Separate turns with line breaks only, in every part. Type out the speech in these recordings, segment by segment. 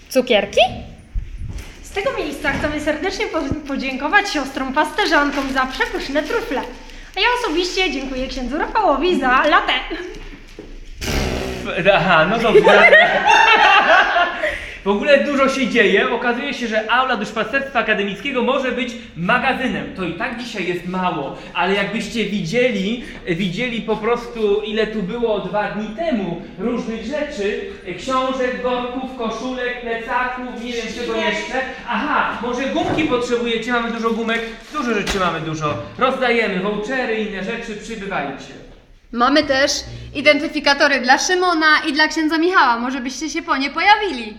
Cukierki?
Z tego miejsca chcemy serdecznie podziękować siostrom pasterzankom za przepyszne trufle. A ja osobiście dziękuję księdzu Rafałowi za latte.
Aha, no dobrze. W ogóle dużo się dzieje. Okazuje się, że aula duszpasterstwa akademickiego może być magazynem. To i tak dzisiaj jest mało, ale jakbyście widzieli po prostu, ile tu było 2 dni temu różnych rzeczy, książek, worków, koszulek, plecaków, nie wiem czego jeszcze. Aha, może gumki potrzebujecie, mamy dużo gumek, dużo rzeczy mamy dużo. Rozdajemy vouchery, inne rzeczy, przybywajcie.
Mamy też identyfikatory dla Szymona i dla księdza Michała. Może byście się po nie pojawili.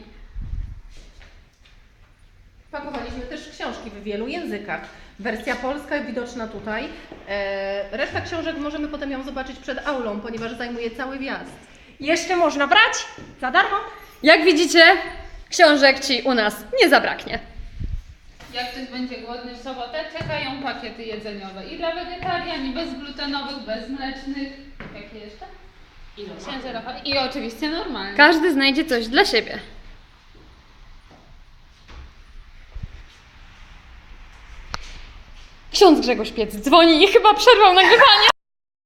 Pakowaliśmy też książki w wielu językach. Wersja polska widoczna tutaj. Reszta książek możemy potem ją zobaczyć przed aulą, ponieważ zajmuje cały wjazd.
Jeszcze można brać za darmo.
Jak widzicie, książek ci u nas nie zabraknie.
Jak ktoś będzie głodny w sobotę, czekają pakiety jedzeniowe i dla wegetarian, i bezglutenowych, bezmlecznych. Jakie jeszcze? Księdza Rafał. I oczywiście normalne.
Każdy znajdzie coś dla siebie. Ksiądz Grzegorz Piec dzwoni i chyba przerwał nagrywanie.